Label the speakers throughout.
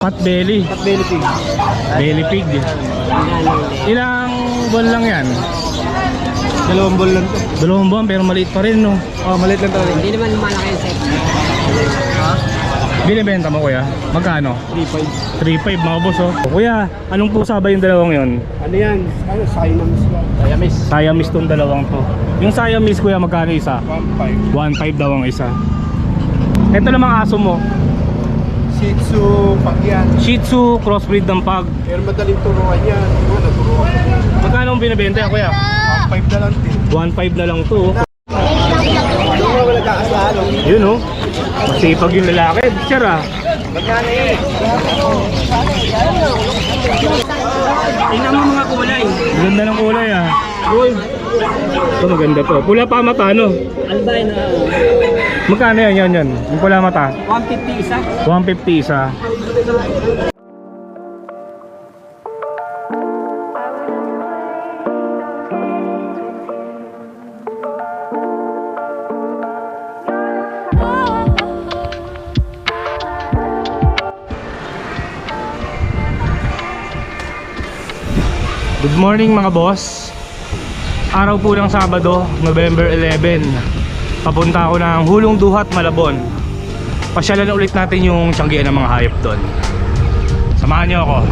Speaker 1: Pot belly.
Speaker 2: Pot belly pig.
Speaker 1: Belly pig. Ilang buwan lang yan?
Speaker 2: 2 buwan lang to.
Speaker 1: 2 buwan pero maliit pa rin, no?
Speaker 2: Oh, maliit lang to.
Speaker 3: Hindi naman malaki yung set.
Speaker 1: Binibenta mo, kuya? Magkano?
Speaker 2: 3.5.
Speaker 1: 3.5 mga boss, oh. Kuya, anong pusa ba yung dalawang yon?
Speaker 2: Ano yan? Ano? Siamese yan. Siamese.
Speaker 1: Siamese tong dalawang to. Yung Siamese, kuya, magkano isa?
Speaker 2: 1.5.
Speaker 1: 1.5 daw ang isa. Ito namang aso mo.
Speaker 2: Shih Tzu, pag yan.
Speaker 1: Shih Tzu, crossbreed ng pag.
Speaker 2: Pero madaling turuan yan. Ano, naturuan ko.
Speaker 1: Magkano ang binibenta yan, kuya?
Speaker 2: 1.5 na lang din.
Speaker 1: 1.5 na lang to, oh.
Speaker 2: Yung mga wala kakasalo.
Speaker 1: Yun, oh. Masipag yung lalaki. Sir, ah.
Speaker 2: Magkano eh?
Speaker 3: Tingnan mo mga kulay.
Speaker 1: Ganda ng kulay, ah. Ito maganda to. Pula pa mata, no?
Speaker 3: Albino.
Speaker 1: Magkano yan, yan? Yung pula mata?
Speaker 3: 150 isa.
Speaker 1: 150 isa. Good morning mga boss. Araw po ng Sabado, November 11. Papunta ako ng Hulong Duhat, Malabon. Pasyalan ulit natin yung tiyanggian ng mga hayop doon. Samahan niyo ako.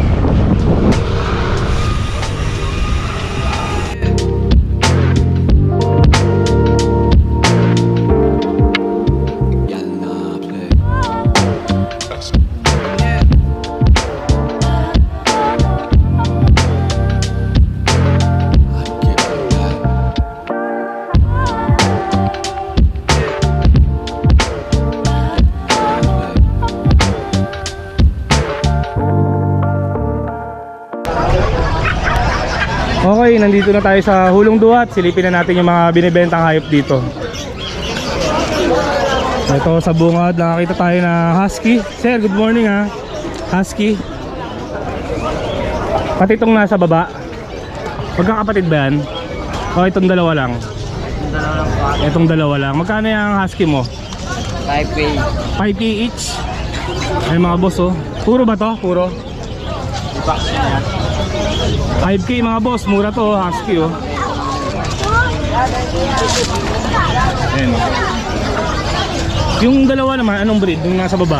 Speaker 1: Okay, nandito na tayo sa Hulong Duhat. Silipin na natin yung mga binibentang hayop dito. Ito sa bungad, nakakita tayo na husky. Sir, good morning ha. Husky. Pati itong nasa baba. Magkakapatid ba yan? O itong dalawa lang? Itong dalawa lang. Magkano yung husky mo?
Speaker 3: 5K.
Speaker 1: 5K each. Ay mga boss, oh. Puro ba to? Puro? 5K mga boss, mura to, husky, oh. Ayan. Yung dalawa naman, anong breed? Yung nasa baba?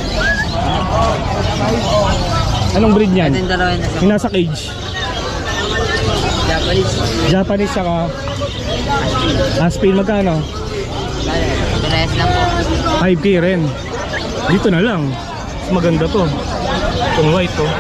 Speaker 1: Anong breed niyan?
Speaker 3: Ito yung dalawa yun.
Speaker 1: Yung nasa cage?
Speaker 3: Japanese.
Speaker 1: Japanese saka Aspin, magkano?
Speaker 3: Parehas lang po.
Speaker 1: 5K rin. Dito na lang. Maganda to. Itong white to.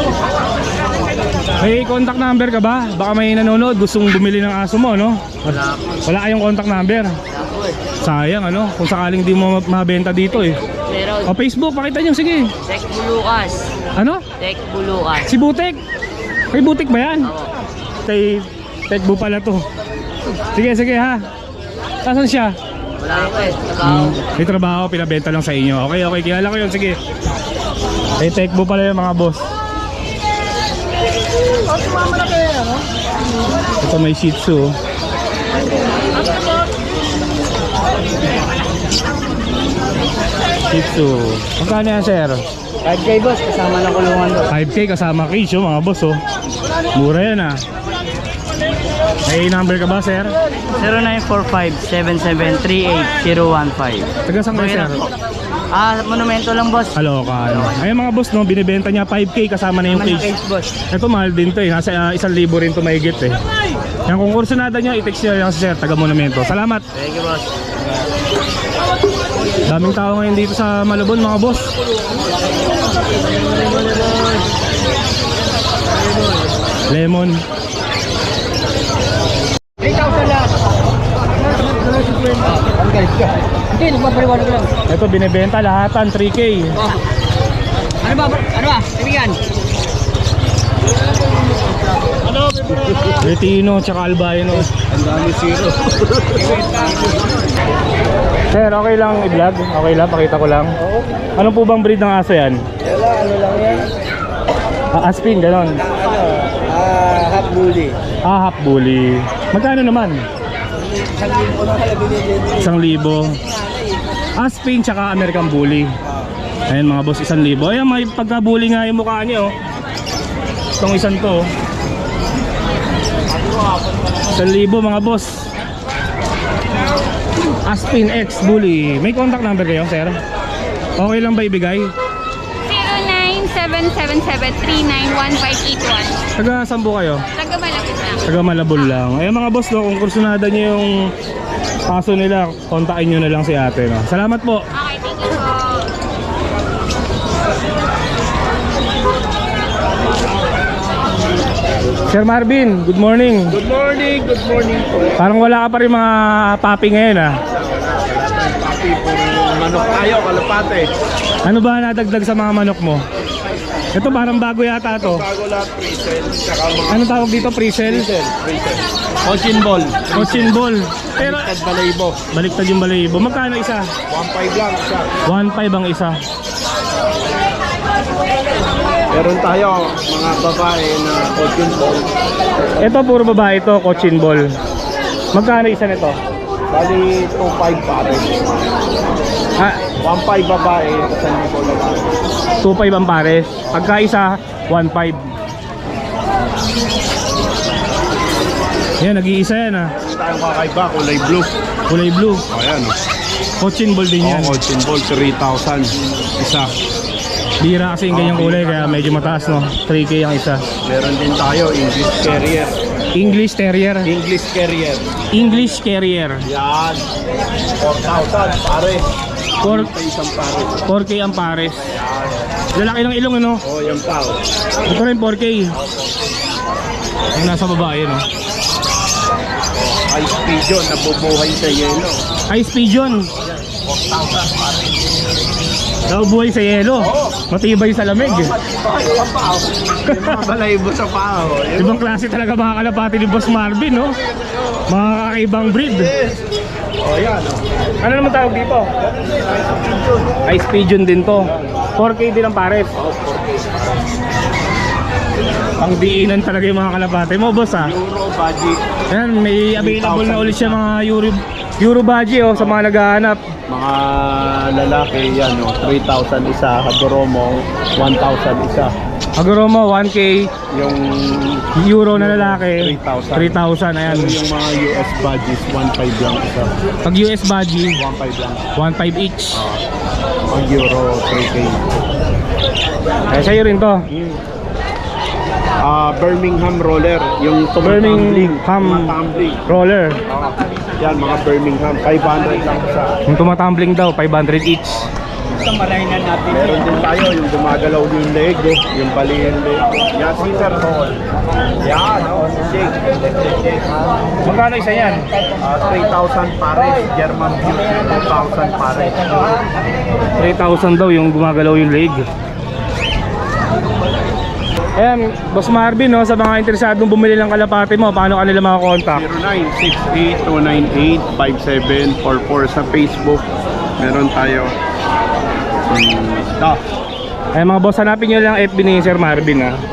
Speaker 1: May contact number ka ba? Baka may nanonood, gustong bumili ng aso mo, no?
Speaker 3: Wala po.
Speaker 1: Wala kayong contact number. Sayang, ano? Kung sakaling di mo mabenta dito, eh.
Speaker 3: Pero
Speaker 1: O Facebook, pakita nyo, sige.
Speaker 3: Tech Bulukas.
Speaker 1: Ano?
Speaker 3: Tech Bulukas.
Speaker 1: Si Butik. Kay Butik ba yan?
Speaker 3: Oo.
Speaker 1: Kay Tekbo pala to. Sige, sige ha. Nasaan siya?
Speaker 3: Wala po eh. Trabaho.
Speaker 1: May trabaho, pinabenta lang sa inyo. Okay, okay, kilala ko yun, sige. Kay Tekbo pala yung mga boss. Ito may Shih Tzu. Shih Tzu. Magkano yan, sir?
Speaker 3: 5K boss, kasama ng kulungan doon.
Speaker 1: 5K kasama cage, oh, mga boss, oh. Mura yan, ah. May number ka ba, sir?
Speaker 3: 0945-7738-015.
Speaker 1: Taga saan kayo, sir?
Speaker 3: Monumento lang boss.
Speaker 1: Halo ka, ano? Ayun mga boss, no, binibenta niya 5K kasama na yung
Speaker 3: Naman yung
Speaker 1: cage.
Speaker 3: cage boss.
Speaker 1: Ito mahal din to, eh. Nasa 1,000 rin to mahigit, eh. Yan, kung kursunada nyo, i-text nyo lang si sir, taga Monumento. Salamat!
Speaker 3: Thank you boss.
Speaker 1: Daming tao ngayon dito sa Malabon, mga boss. Lemon.
Speaker 3: 3,000 lahat. Hindi, nagpapaliwanag lang.
Speaker 1: Ito binibenta lahatan 3K.
Speaker 3: Oh. Ano ba? Ano ba? Kaibigan?
Speaker 1: Retino tsaka albino.
Speaker 2: Ang dami zero.
Speaker 1: Sir, okay lang i-vlog? Okay lang, pakita ko lang. Ano po bang breed ng aso yan?
Speaker 2: Wala, ano lang yan?
Speaker 1: Aspin, ganon.
Speaker 2: Half bully.
Speaker 1: Half bully. Magkano naman?
Speaker 2: 1,000 na kaya binibenta.
Speaker 1: 1,000. Aspin tsaka American Bully. Ayan mga boss, 1,000. Ayan, may pagkabuli nga yung mukha niya, oh. Itong isang to, oh. 1,000 mga boss. Aspin X Bully. May contact number kayo, sir? Okay lang ba ibigay?
Speaker 4: 0977-391-581.
Speaker 1: Taga saan po kayo?
Speaker 4: Taga Malapit lang.
Speaker 1: Taga Malabon lang. Ayan mga boss, no, kung kursunada nyo yung kaso nila, kontakin nyo na lang si ate, no? Salamat po.
Speaker 4: Okay, thank you po.
Speaker 1: Sir Marvin, good morning.
Speaker 2: Good morning po.
Speaker 1: Parang wala ka pa rin mga papi ngayon, ah.
Speaker 2: Papi, puro manok tayo, kalapate.
Speaker 1: Ano ba nadagdag sa mga manok mo? Ito parang bago yata to.
Speaker 2: Bago lahat, pre-sell, tsaka mga
Speaker 1: Ano tawag dito? Pre-sell?
Speaker 2: pre-sell. Cochin ball.
Speaker 1: Cochin ball. Pero
Speaker 2: At balaybo.
Speaker 1: baliktad yung balayibo. Magkano isa?
Speaker 2: 1.5 lang siya.
Speaker 1: 1.5 ang isa.
Speaker 2: Meron tayo mga babae na cochin ball.
Speaker 1: Ito puro babae to, cochin ball. Magkano isa nito?
Speaker 2: Bali 2.5 pare.
Speaker 1: Ah,
Speaker 2: 1.5 babae, 1,000 lalaki.
Speaker 1: 2.5 ang pares. Pagka isa, 1.5. Yan, nag-iisa yan, ah.
Speaker 2: Meron tayong kakaiba, kulay blue.
Speaker 1: Kulay blue.
Speaker 2: Ayan o.
Speaker 1: Cochin ball din yan.
Speaker 2: Cochin ball, 3,000 isa.
Speaker 1: Bira kasi yung ganyang kulay, kaya medyo mataas, no? 3K ang isa.
Speaker 2: Meron din tayo, English Carrier.
Speaker 1: English Terrier.
Speaker 2: English Carrier.
Speaker 1: English Carrier.
Speaker 2: Yan. 4,000 pare.
Speaker 1: 4,
Speaker 2: Sa isang pare.
Speaker 1: 4K ang pares. Lalaki ng ilong, ano?
Speaker 2: Oh, yan pa. Oh.
Speaker 1: Ito rin 4K. Ang nasa babae, no?
Speaker 2: Ice pigeon, nabubuhay sa yelo.
Speaker 1: Ice pigeon.
Speaker 2: 4,000 pare.
Speaker 1: Daw buhay sa yelo. Matibay sa lamig.
Speaker 2: Ay, yan pa. Oh. Yung mga balaybo sa pao.
Speaker 1: Ibang klase talaga mga kalapati ni Boss Marvin, no? Mga kakaibang breed.
Speaker 2: Oh, yan. Oh.
Speaker 1: Ano naman tawag dito? Ice pigeon din to. 4K din ang pares.
Speaker 2: Oh, 4K.
Speaker 1: Pangdiinan talaga yung mga kalapati mo, boss, ha?
Speaker 2: Euro budget.
Speaker 1: Ayan, may available na ulit siya mga Euro budget, oh, sa mga naghahanap.
Speaker 2: Mga lalaki yan, oh. 3,000 isa. Hadoromo, 1,000 isa.
Speaker 1: Agoromo, 1K.
Speaker 2: Yung
Speaker 1: Euro na lalaki,
Speaker 2: 3,000.
Speaker 1: 3,000, ayan.
Speaker 2: yung mga US budgets, 1.5 lang isa.
Speaker 1: Pag US budget,
Speaker 2: 1.5 lang.
Speaker 1: 1.5 each.
Speaker 2: Pag Euro, 3K.
Speaker 1: Eh, sa'yo rin to.
Speaker 2: Birmingham roller, yung
Speaker 1: Birmingham
Speaker 2: tumbling.
Speaker 1: roller.
Speaker 2: Yan, mga Birmingham, 500 lang isa.
Speaker 1: Yung tumatumbling daw, 500 each.
Speaker 2: Meron din tayo, yung gumagalaw yung leg, yung bali yung leg. Yan, Caesar Hall. Yan, shake.
Speaker 1: Magkano isa yan?
Speaker 2: 3,000 pares, German Beauty, 2,000 pares.
Speaker 1: 3,000 daw yung gumagalaw yung leg. Ayan, Boss Marvin, no, sa mga interesadong bumili ng kalapati mo, paano kanila makakontakt?
Speaker 2: 0968-298-5744 sa Facebook. Meron tayo.
Speaker 1: Ayan mga boss, hanapin nyo lang FB ni Sir Marvin, ha.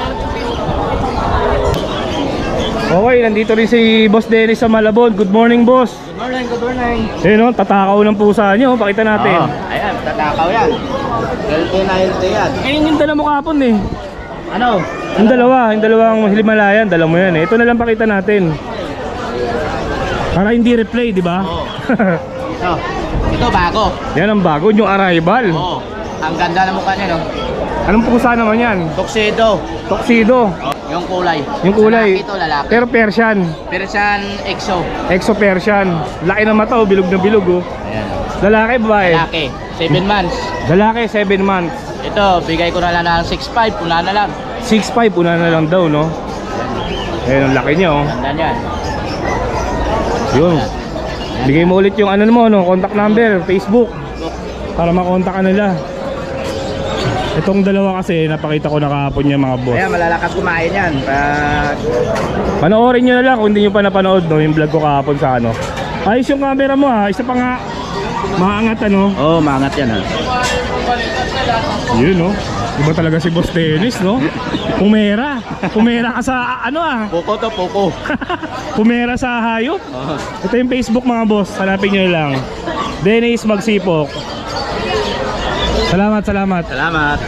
Speaker 1: Okay, nandito rin si Boss Dennis sa Malabon. Good morning, boss.
Speaker 3: Good morning, good morning.
Speaker 1: Ayun, no, tatakaw ng pusa nyo, pakita natin.
Speaker 3: Ayan, tatakaw yan. Healthy na healthy yan.
Speaker 1: Ayun yung dala mo kapon, eh.
Speaker 3: Ano?
Speaker 1: Yung dalawang Himalayan, dala mo yan, eh. Ito na lang pakita natin. Para hindi replay, di ba?
Speaker 3: Oo. Ito bago.
Speaker 1: Yan ang bago, yung arrival.
Speaker 3: Oo. Ang ganda ng mukha niya, no?
Speaker 1: Anong pusa naman yan?
Speaker 3: Tuxedo.
Speaker 1: Tuxedo.
Speaker 3: Yung kulay.
Speaker 1: Yung kulay.
Speaker 3: Lalaki ito, lalaki.
Speaker 1: Pero Persian.
Speaker 3: Persian EXO.
Speaker 1: Exo Persian. Laki ng mata, oh, bilog na bilog, oh.
Speaker 3: Ayan.
Speaker 1: Lalaki, babae?
Speaker 3: Lalaki. 7 months.
Speaker 1: Lalaki, 7 months.
Speaker 3: Ito, bigay ko na lang ng 6.5. Puna na lang.
Speaker 1: 6'5", una na lang daw, no? Ayun, ang laki niya, oh.
Speaker 3: Ganda niyan.
Speaker 1: Yun. Bigay mo ulit yung ano mo, no? Contact number, Facebook. Para makontak ka nila. Itong dalawa kasi, napakita ko na kahapon niya, mga boss.
Speaker 3: Ayan, malalakas kumain yan.
Speaker 1: Panoorin nyo na lang kung hindi nyo pa napanood, no? Yung vlog ko kahapon sa ano. Ayos yung camera mo, ha? Isa pa nga maangat, ano?
Speaker 3: Oo, maangat yan, ha?
Speaker 1: Yun, no? Iba talaga si Boss Dennis, no? Pumera. Pumera ka sa ano, ah.
Speaker 3: Poko to, poko.
Speaker 1: Pumera sa hayop. Ito yung Facebook, mga boss. Hanapin nyo lang. Dennis Magsipok. Salamat, salamat.
Speaker 3: Salamat.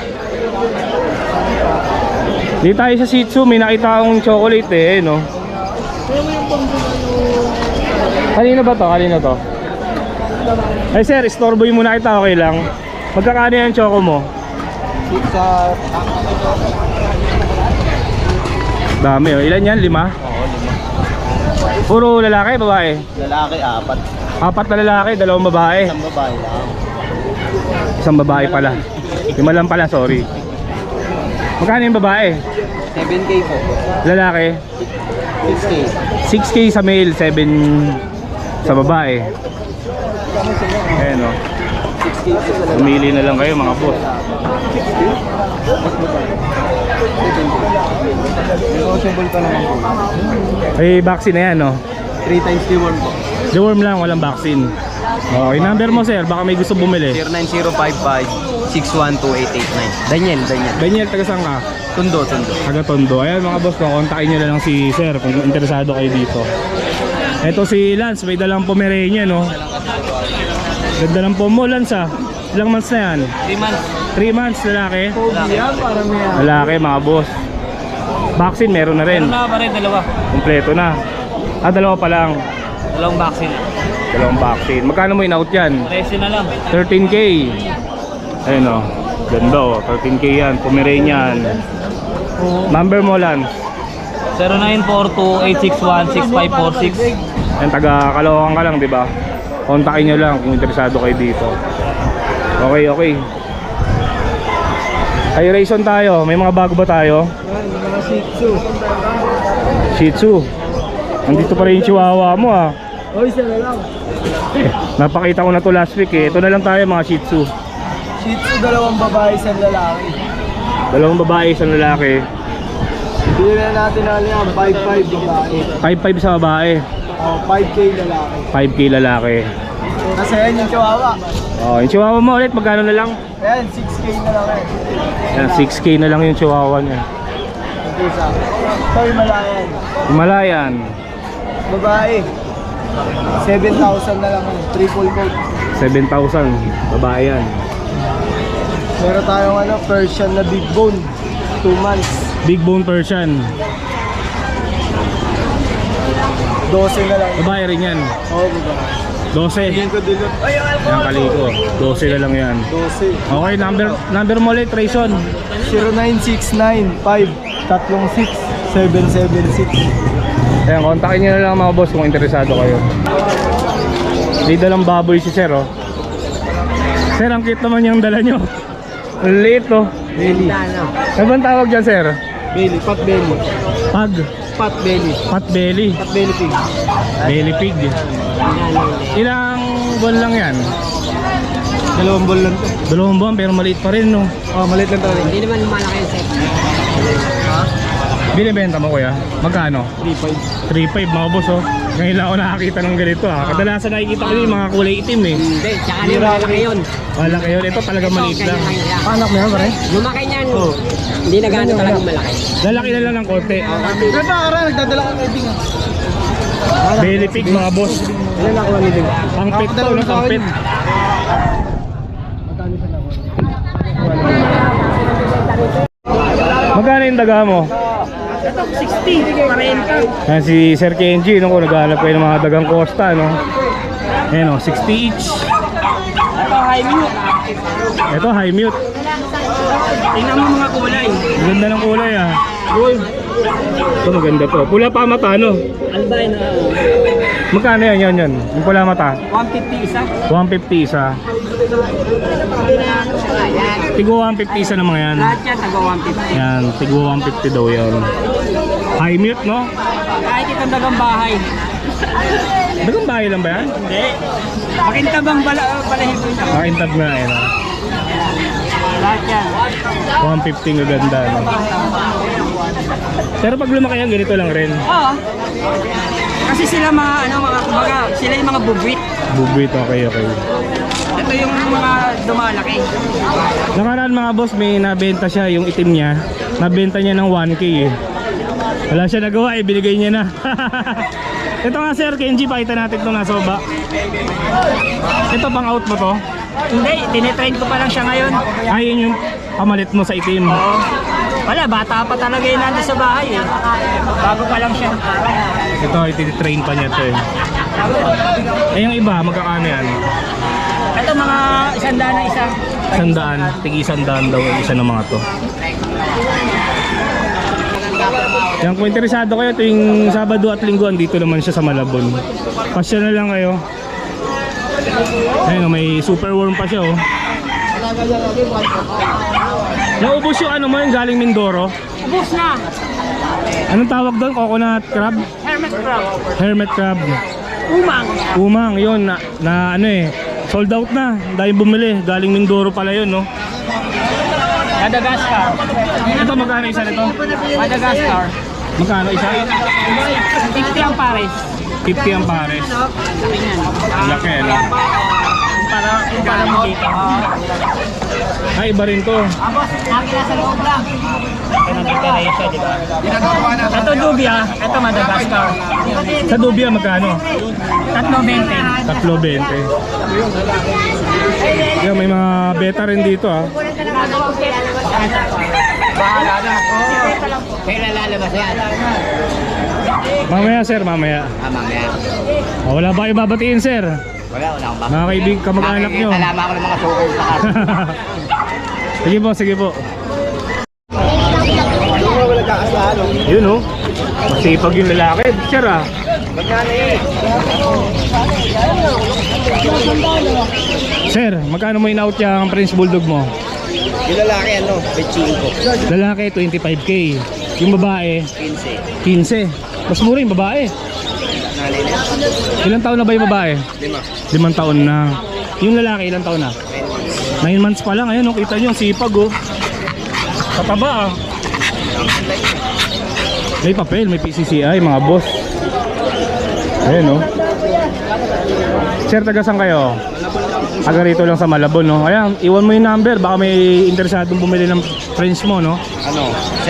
Speaker 1: Dito tayo sa Shih Tzu, may nakita akong chocolate eh, no? Kanino ba to? Kanino to? Ay sir, istorboy muna kita, okay lang? Magkakano yung choco mo?
Speaker 3: Sa...
Speaker 1: Dami oh, ilan yan? 5?
Speaker 3: Oo, 5.
Speaker 1: Puro lalaki, babae?
Speaker 3: Lalaki, 4.
Speaker 1: 4 na lalaki, 2 babae.
Speaker 3: Isang babae lang.
Speaker 1: Isang babae pala. 5 lang pala, sorry. Magkano yung babae?
Speaker 3: 7K po.
Speaker 1: Lalaki?
Speaker 3: 6K.
Speaker 1: 6K sa male, 7 sa babae. Ayan o.
Speaker 3: 6K po sa lalaki.
Speaker 1: Pumili na lang kayo mga boss.
Speaker 3: Negotiable pa naman po.
Speaker 1: Ay, vaccine na yan no?
Speaker 3: 3 times deworm po.
Speaker 1: Deworm lang, walang vaccine. Okay, number mo sir, baka may gusto bumili.
Speaker 3: 09055-612-889. Daniel.
Speaker 1: Daniel, taga saan ka?
Speaker 3: Tundo.
Speaker 1: Taga Tondo. Ayan mga boss, kontakin nyo na lang si sir kung interesado kayo dito. Ito si Lance, may dalang Pomeranian no? Ganda ng pomo, Lance ah. Ilang months na yan?
Speaker 3: 3 months.
Speaker 1: 3 months, lalaki?
Speaker 3: Yan, parang may
Speaker 1: Lalaki mga boss. Vaccine meron na rin.
Speaker 3: pa rin, 2.
Speaker 1: Kompleto na. Ah, 2 pa lang.
Speaker 3: 2 vaccine.
Speaker 1: 2 vaccine. Magkano mo in-out yan?
Speaker 3: 13 na lang.
Speaker 1: 13K. Ayun o. Ganda o. 13K yan. Pomeranian. Number mo lang.
Speaker 3: 0942-861-6546.
Speaker 1: Yan, taga Caloocan ka lang, di ba? Kontakin nyo lang kung interesado kayo dito. Okay. Ay, Rayson tayo. May mga bago ba tayo?
Speaker 3: Mga Shih Tzu.
Speaker 1: Shih Tzu. Nandito pa rin yung chihuahua mo ah.
Speaker 3: Oy, isa na lang.
Speaker 1: Napakita ko na to last week eh. Ito na lang tayo mga Shih Tzu.
Speaker 3: Shih Tzu, 2 babae, 1 lalaki.
Speaker 1: 2 babae, 1 lalaki.
Speaker 3: Bili na natin na yan, 5-5 babae.
Speaker 1: 5-5 sa babae,
Speaker 3: 5K lalaki.
Speaker 1: 5K lalaki.
Speaker 3: Kasi yan yung chihuahua.
Speaker 1: Oh, yung chihuahua mo ulit, magkano na lang?
Speaker 3: Ayan, 6K na lang eh.
Speaker 1: Yan, 6K na lang yung chihuahua niya.
Speaker 3: Ito isa. Ito Himalayan.
Speaker 1: Himalayan,
Speaker 3: Babae. 7,000 na lang eh. Triple coat.
Speaker 1: 7,000. Babae yan.
Speaker 3: Meron tayong Persian na big bone. 2 months.
Speaker 1: Big bone Persian.
Speaker 3: 12 na lang.
Speaker 1: Babae rin yan.
Speaker 3: Oo, babae.
Speaker 1: 12.
Speaker 3: Yan ko dilot. Ay, ang
Speaker 1: Yan kaliko. 12 na lang yan.
Speaker 3: 12.
Speaker 1: Okay, number mo ulit, Rayson.
Speaker 3: 0969-536-776.
Speaker 1: Ayan, kontakin nyo na lang mga boss kung interesado kayo. May dalang baboy si sir oh. Sir, ang cute naman yung dala nyo. Ang liit oh.
Speaker 3: Belly.
Speaker 1: Ano bang tawag dyan sir?
Speaker 3: Belly. Pot belly.
Speaker 1: Pag.
Speaker 3: Pot belly.
Speaker 1: Pot belly.
Speaker 3: Pot belly pig.
Speaker 1: Belly pig. Ilang buwan lang yan?
Speaker 3: 2 ball lang to.
Speaker 1: 2 buwan pero maliit pa rin no.
Speaker 3: Oh, maliit lang to.
Speaker 4: Hindi naman malaki yung set.
Speaker 1: Binibenta mo kuya? Magkano?
Speaker 3: 3.5.
Speaker 1: 3.5 mga boss oh. Ngayon lang ako nakakita ng ganito ah. Kadalasan nakikita ko yung mga kulay itim eh.
Speaker 4: Hindi, tsaka na yung malaki yun.
Speaker 1: Wala kayo, ito talaga maliit lang.
Speaker 3: Anak mo yan, pare?
Speaker 4: Lumaki niyan. Hindi na gano'n talagang malaki.
Speaker 1: Lalaki na lang ng konti.
Speaker 3: Pero para nagdadala ka ng ah.
Speaker 1: Belly pig mga boss.
Speaker 3: Ilan ako lang nito?
Speaker 1: Pangpit to, no? Pangpit. Magkano yung daga mo?
Speaker 4: Ito, 60. 40.
Speaker 1: Yan si Sir Kenji, no? Kung naghahanap kayo ng mga dagang Costa, no? Ayan o, 60 each.
Speaker 4: Ito, high mute.
Speaker 1: Ito, high mute.
Speaker 4: Tingnan mo mga kulay.
Speaker 1: Ganda ng kulay ah. Ito maganda to. Pula pa mata, no?
Speaker 4: Albino.
Speaker 1: Magkano yan? Yung pula mata?
Speaker 4: 150 isa.
Speaker 1: 150 isa. Tigo 150 isa ng mga yan.
Speaker 4: Lahat yan, taga 150.
Speaker 1: Yan, tigo 150 daw yan. High mute, no?
Speaker 4: Kahit itong dagang bahay.
Speaker 1: Dagang bahay lang ba yan?
Speaker 4: Hindi. Makintabang balahibo ito.
Speaker 1: Intab na yan.
Speaker 4: Lahat yan.
Speaker 1: 150 nga ganda, no? Pero pag lumaki yan, ganito lang rin.
Speaker 4: Oo. Kasi sila mga kumbaga, sila yung mga bubwit.
Speaker 1: Bubwit, okay.
Speaker 4: Ito yung mga dumalaki.
Speaker 1: Nakaraan mga boss, may nabenta siya, yung itim niya. Nabenta niya ng 1K eh. Wala siya nagawa eh, binigay niya na. Ito nga sir, Kenji, pakita natin itong nasa baba. Ito pang out mo to?
Speaker 4: Hindi, tinitrain ko pa lang siya ngayon.
Speaker 1: Ayun yung pamalit mo sa itim.
Speaker 4: Oo. Wala, bata pa talaga yun nandun sa bahay eh. Bago pa lang siya.
Speaker 1: Ito, itinitrain pa niya ito eh. Eh yung iba, magkakano yan?
Speaker 4: Ito mga 100 na isa.
Speaker 1: 100, tigi 100 daw ang isa ng mga to. Yan, kung interesado kayo, tuwing Sabado at Linggo, dito naman siya sa Malabon. Pasya na lang kayo. Ayun, may super worm pa siya oh. Naubos yung ano mo, yung galing Mindoro.
Speaker 4: Ubus na.
Speaker 1: Anong tawag doon? Coconut crab?
Speaker 4: Hermit crab.
Speaker 1: Hermit crab.
Speaker 4: Umang.
Speaker 1: Umang, yun, na ano eh, sold out na. Dahil bumili, galing Mindoro pala yun, no?
Speaker 4: Madagascar.
Speaker 1: Ito, magkano isa nito?
Speaker 4: Madagascar.
Speaker 1: Magkano isa?
Speaker 4: 50 ang pares.
Speaker 1: 50 ang pares. Laki, no?
Speaker 4: Para mo dito.
Speaker 1: Ay, iba rin to.
Speaker 4: Boss, akin nasa loob lang. Pinag-operation, di ba? Ito Dubia, ito Madagascar.
Speaker 1: Sa Dubia, magkano?
Speaker 4: 3.20.
Speaker 1: 3.20. Yan, may mga beta rin dito, ah.
Speaker 4: Bahala na. Kailan lalabas yan?
Speaker 1: Mamaya, sir, mamaya.
Speaker 4: Mamaya.
Speaker 1: Oh, wala ba kayo babatiin, sir?
Speaker 4: Wala akong ba?
Speaker 1: Mga kaibig, kamag-anak nyo.
Speaker 4: Alaman ko ng mga suko sa kasa.
Speaker 1: Sige po, sige po.
Speaker 3: Wala kakasalo.
Speaker 1: Yun, oh. Masipag yung lalaki. Sir, ah.
Speaker 3: Magkano eh?
Speaker 1: Sir, magkano mo in-out yung Prince Bulldog mo?
Speaker 3: Yung lalaki ano, Peching ko.
Speaker 1: Lalaki, 25k. Yung babae,
Speaker 3: 15.
Speaker 1: 15. Mas mura yung babae. Ilang taon na ba yung babae? 5 taon na. Yung lalaki, ilang taon na? 9 months pa lang. Ayun, oh, kita nyo, ang sipag, oh. Kataba, ah. May papel, may PCCI, mga boss. Ayun, oh. Sir, taga saan kayo? Taga rito lang sa Malabon, no? Ayan, iwan mo yung number. Baka may interesadong bumili ng friends mo, no?
Speaker 3: Ano?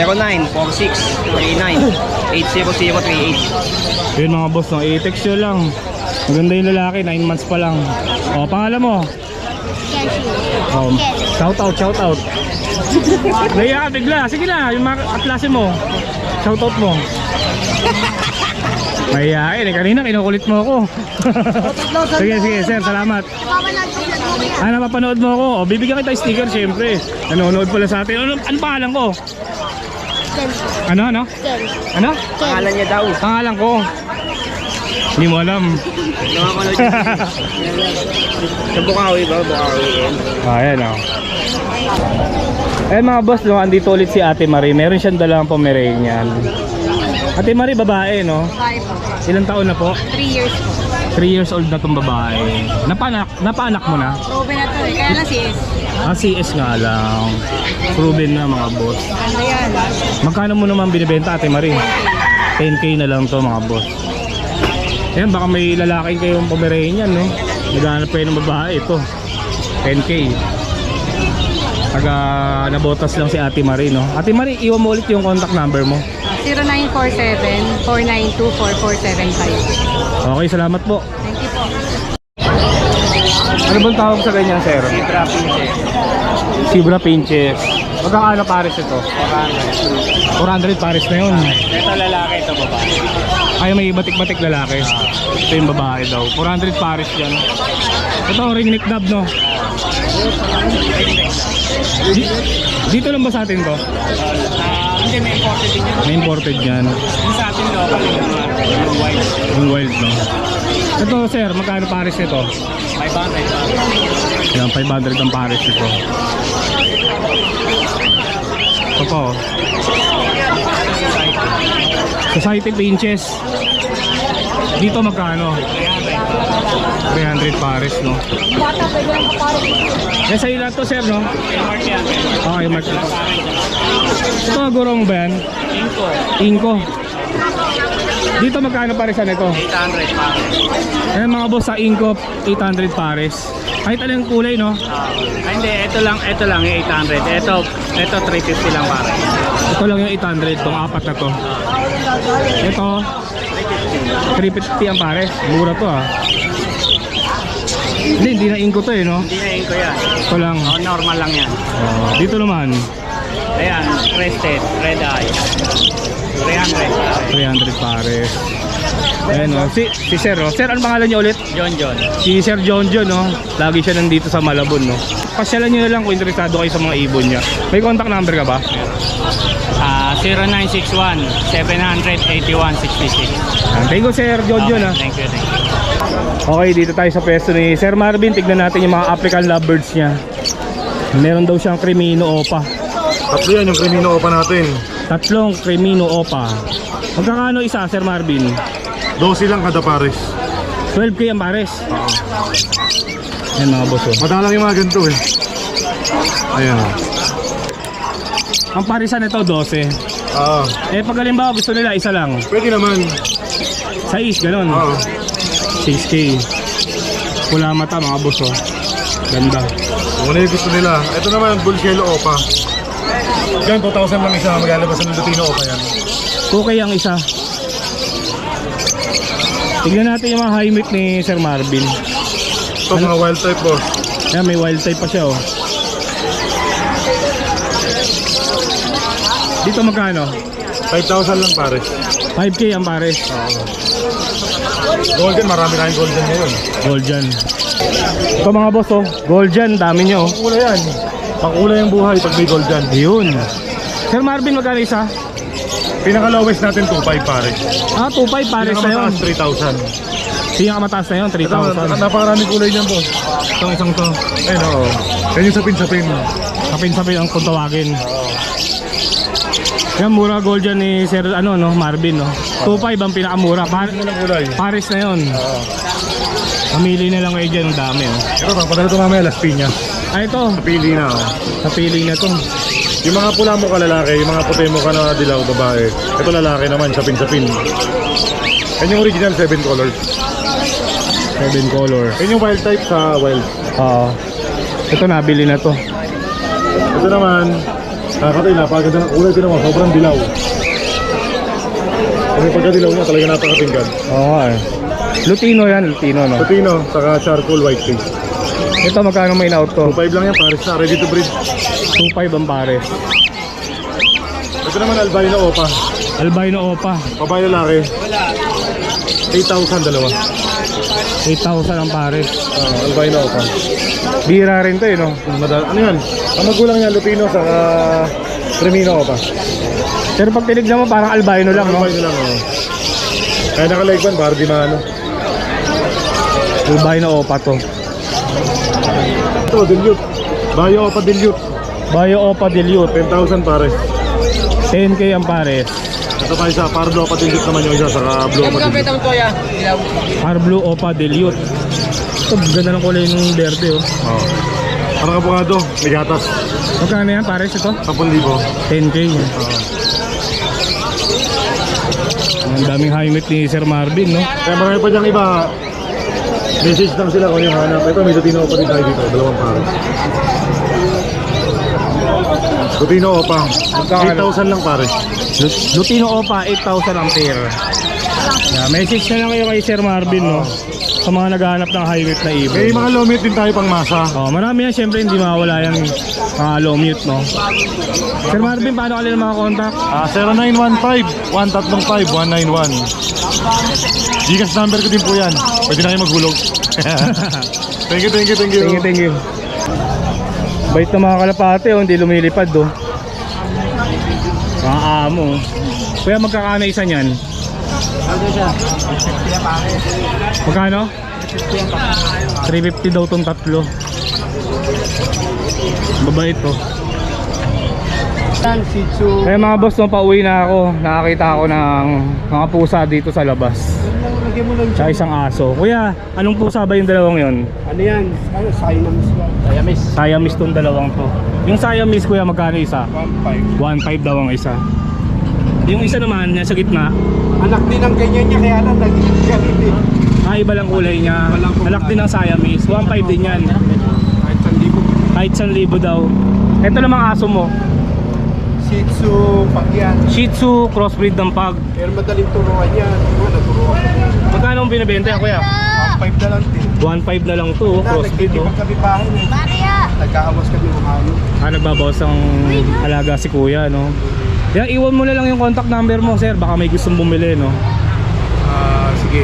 Speaker 3: 0946-39-80038.
Speaker 1: Yun mga boss, no? I-text nyo lang. Maganda yung lalaki, 9 months pa lang. O, pangalan mo? Shout out. Naiya ka bigla. Sige na, yung mga kaklase mo. Shout out mo. Mahihain eh, kanina kinukulit mo ako. Sige, sir, salamat. Napapanood mo ako. O, bibigyan kita sticker syempre. Nanonood pala sa atin. Ano pangalan ko? Ano? Ano?
Speaker 3: Pangalan niya daw.
Speaker 1: Pangalan ko. Hindi mo alam.
Speaker 3: Nakakanood niya. Sa Bukawi ba? Bukawi yan.
Speaker 1: Ayan o. Eh mga boss, no, andito ulit si Ate Marie. Meron siyang dalang Pomeranian. Ate Marie, babae, no? Ilang taon na po?
Speaker 5: 3 years po.
Speaker 1: 3 years old na tong babae. Napaanak mo na?
Speaker 5: Proven na to eh. Kaya lang CS.
Speaker 1: CS nga lang. Proven na mga boss.
Speaker 5: Ano yan?
Speaker 1: Magkano mo naman binibenta, Ate Marie? 10k na lang to mga boss. Ayan, baka may lalaki kayong Pomeranian, no? Naghahanap kayo ng babae, ito 10k. Taga nabotas lang si Ate Marie, no? Ate Marie, iwan mo ulit yung contact number mo.
Speaker 5: 0947-492-4475.
Speaker 1: Okay, salamat po.
Speaker 5: Thank you po.
Speaker 1: Ano bang tawag sa ganyan, sir?
Speaker 3: Zebra Pinches.
Speaker 1: Zebra Pinches. Magkakano pares ito? 400 pares na yun.
Speaker 3: Ito lalaki, ito babae.
Speaker 1: Ay, may batik-batik lalaki. Ito yung babae daw. 400 pares yan. Ito, ring neck dub, no? Dito lang ba sa atin to?
Speaker 3: Hindi, may imported din yun.
Speaker 1: May imported yan.
Speaker 3: Yung sa atin local, yung white.
Speaker 1: Yung wild, no? Ito, sir, magkano pares nito?
Speaker 3: 500.
Speaker 1: Yan, 500 ang pares nito. Ito po. Society Pinches. Dito magkano? 300 pares, no? Eh, sa ilan to, sir, no? Okay, mark. Ito, gurong ba yan? Inko. Dito magkano paresan ito?
Speaker 3: 800 pa.
Speaker 1: Eh, mga boss, sa Inko, 800 pares. Kahit anong kulay, no?
Speaker 3: Hindi, ito lang yung 800. Ito 350 lang para.
Speaker 1: Ito lang yung 800, itong apat na to. Ito, 350 ang pares. Mura to ah. Hindi na inko to eh, no?
Speaker 4: Hindi na yun ko yan.
Speaker 1: Ito lang.
Speaker 4: Oh, normal lang yan.
Speaker 1: Dito naman,
Speaker 4: Ayan, crested, red eye. 300
Speaker 1: 300 pares. Ayan o, si Sir o. Sir, ano pangalan niyo ulit?
Speaker 4: John.
Speaker 1: Si Sir John, no? Lagi siya nandito sa Malabon, no? Pasyalan niyo na lang kung interesado kayo sa mga ibon niya. May contact number ka ba?
Speaker 4: 0961-700-8166.
Speaker 1: Thank you, Sir John,
Speaker 4: Okay,
Speaker 1: ah.
Speaker 4: thank you.
Speaker 1: Okay, dito tayo sa pwesto ni Sir Marvin. Tignan natin yung mga African lovebirds niya. Meron daw siyang Crimino Opa.
Speaker 2: Tatlo yan yung Crimino Opa natin.
Speaker 1: Tatlong Crimino Opa. Magkakano isa, Sir Marvin?
Speaker 2: 12 lang kada pares.
Speaker 1: 12K ang pares. Ayan mga boss, oh.
Speaker 2: Madalang yung mga ganito eh. Ayan.
Speaker 1: Ang parisan nito 12.
Speaker 2: Oo.
Speaker 1: Eh pag halimbawa gusto nila isa lang,
Speaker 2: Pwede naman.
Speaker 1: size ganun.
Speaker 2: Oo.
Speaker 1: 6K. Pula mata mga boss, oh. Ganda.
Speaker 2: Kung ano yung gusto nila. Ito naman, Bulcielo Opa. Yan, 2,000 lang isa. Maglalabas ng Lutino Opa yan.
Speaker 1: 2K ang isa. Tignan natin yung mga high meat ni Sir Marvin.
Speaker 2: Ito mga wild type boss.
Speaker 1: Yan, may wild type pa siya, oh. Dito magkano?
Speaker 2: 5,000 lang pares.
Speaker 1: 5K ang pares.
Speaker 2: Golden, marami tayong golden ngayon.
Speaker 1: Golden. Ito mga boss, oh. Golden, dami nyo, oh.
Speaker 2: Pangkulay yan. Pangkulay ang buhay pag may golden.
Speaker 1: Yun. Sir Marvin, magkano isa?
Speaker 2: Pinaka-lowest natin 2,500 pares.
Speaker 1: 2.5 pares na yun.
Speaker 2: Pinakamataas 3,000.
Speaker 1: Siya ang mataas na yun,
Speaker 2: Ito,
Speaker 1: 3,000.
Speaker 2: napakaraming kulay niyan boss.
Speaker 1: Itong isang to.
Speaker 2: Ayun oo. Yan yung sapin-sapin.
Speaker 1: Sapin-sapin ang kung tawagin. Yan, mura gold dyan ni Sir Marvin, no? 2.5 ang pinakamura.
Speaker 2: Ano lang kulay?
Speaker 1: Pares na yun. Mamili na lang kayo dyan, ang dami, oh.
Speaker 2: Ito, pagpadala ito mamaya, Las Piñas.
Speaker 1: Ito.
Speaker 2: Napili na oh.
Speaker 1: Napili na to.
Speaker 2: Yung mga pula mo ka lalaki, yung mga puti mo ka na dilaw babae. Ito lalaki naman, sapin-sapin. Yan yung original 7 colors.
Speaker 1: 7 color.
Speaker 2: Yan yung wild type sa wild.
Speaker 1: Oo. Ito, nabili na to.
Speaker 2: Ito naman, nakakatay, napaganda ng kulay. Ito naman, sobrang dilaw. Kung yung pagkadilaw niya, talaga napakatinggan.
Speaker 1: Oo nga, eh. Lutino yan, Lutino, no?
Speaker 2: Putino, saka charcoal white face.
Speaker 1: Ito, magkano may in-out to?
Speaker 2: 2.5 lang yan, pares na, ready to breed.
Speaker 1: 2.5 ang pares.
Speaker 2: Ito naman, albino opa.
Speaker 1: Albino Opa.
Speaker 2: Babae lalaki. 8,000 dalawa.
Speaker 1: 8,000 ang pares.
Speaker 2: Albino opa.
Speaker 1: Bira rin to, eh, no?
Speaker 2: Ano yan? Ang magulang niya, Lupino, saka Cremino opa.
Speaker 1: Pero pag tinignan mo, parang albino lang, no?
Speaker 2: Albino lang, oh. Kaya naka-legban, para di maano.
Speaker 1: Albino Opa to.
Speaker 2: Ito, dilute. Bayo opa dilute.
Speaker 1: Bayo Opa Dilute.
Speaker 2: 10,000 pares.
Speaker 1: 10K ang pares.
Speaker 2: Ito tayo sa Pardo opa dilute naman yung isa, saka Blue opa dilute.
Speaker 1: Par Blue Opa Dilute. Ito, ganda ng kulay ng berde, oh.
Speaker 2: Oh. Parang abogado, may gatas.
Speaker 1: Magkano yan, pares ito?
Speaker 2: 10,000.
Speaker 1: 10K. Ang daming high meat ni Sir Marvin, no?
Speaker 2: Kaya marami pa diyang iba. Message lang sila kung yung hanap. Ito, may Lutino opa din tayo dito. Dalawang pares. Lutino opa. 8,000 lang pares.
Speaker 1: Lutino Opa, 8,000 ang pair. Yeah, message na lang kayo kay Sir Marvin, no? Sa mga naghahanap ng high meat na ibon.
Speaker 2: May mga low meat din tayo pang masa.
Speaker 1: Oh, marami yan, syempre hindi mawawala yung mga low mute, no? Sir Marvin, paano ka nila mga contact?
Speaker 2: 0915-135-191. Gcash number ko din po yan. Pwede na kayo maghulog. Thank you.
Speaker 1: Thank you. Bait na mga kalapate, oh, hindi lumilipad, oh. Mga amo. Kuya, magkakano isa niyan? Magkano? 350 daw tong tatlo. Babait to.
Speaker 3: Shih Tzu.
Speaker 1: Kaya mga boss, nung pauwi na ako, nakakita ako ng mga pusa dito sa labas.
Speaker 3: Lagyan mo lang
Speaker 1: Tsaka isang aso. Kuya, anong pusa ba yung dalawang yon?
Speaker 3: Ano yan? Ano? Siamese.
Speaker 1: Siamese tong dalawang to. Yung Siamese, kuya, magkano isa?
Speaker 3: 1.5.
Speaker 1: 1.5 daw ang isa. Yung isa naman, nasa gitna,
Speaker 3: Anak din ang ganyan niya, kaya lang naging ganito.
Speaker 1: iba lang kulay niya. Anak din ng Siamese. 1.5 din yan.
Speaker 3: Kahit 1,000.
Speaker 1: Kahit 1,000 daw. Ito namang aso mo.
Speaker 2: Shih Tzu, pag yan.
Speaker 1: Shih Tzu, crossbreed ng pag.
Speaker 2: Pero madaling turuan yan. Naturuan ko.
Speaker 1: Magkano ang binibenta kuya?
Speaker 2: 1.5 na lang din.
Speaker 1: 1.5 na lang to, crossbreed oh.
Speaker 2: Nagtitipag kami bahay eh. Nagkaawas kami ng hayop.
Speaker 1: Nagbabawas ang alaga si kuya, no? Yan, iwan mo na lang yung contact number mo, sir. Baka may gustong bumili, no?
Speaker 2: Sige.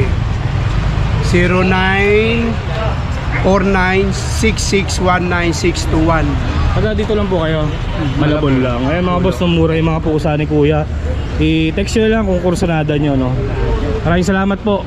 Speaker 2: 0949661961.
Speaker 1: Pagka dito lang po kayo, Malabon lang. Ayan mga boss, mura yung mga pusa ni kuya. I-text nyo na lang kung kursunada nyo, no? Maraming salamat po.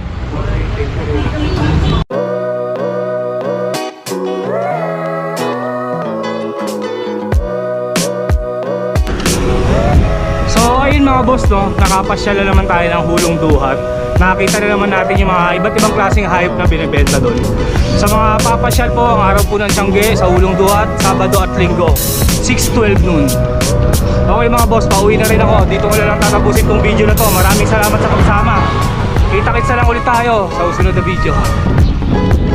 Speaker 1: So ayun mga boss, no, nakapasyal na naman tayo ng Hulong Duhat. Nakita na naman natin yung mga iba't ibang klaseng hayop na binibenta doon. Sa mga papasyal po, ang araw po ng Tiangge sa Hulong Duhat, Sabado at Linggo, 6-12 noon. Okay mga boss, pauwi na rin ako. Dito ko na lang tatapusin tong video na to. Maraming salamat sa pagsama. Kita-kits na lang ulit tayo sa susunod na video.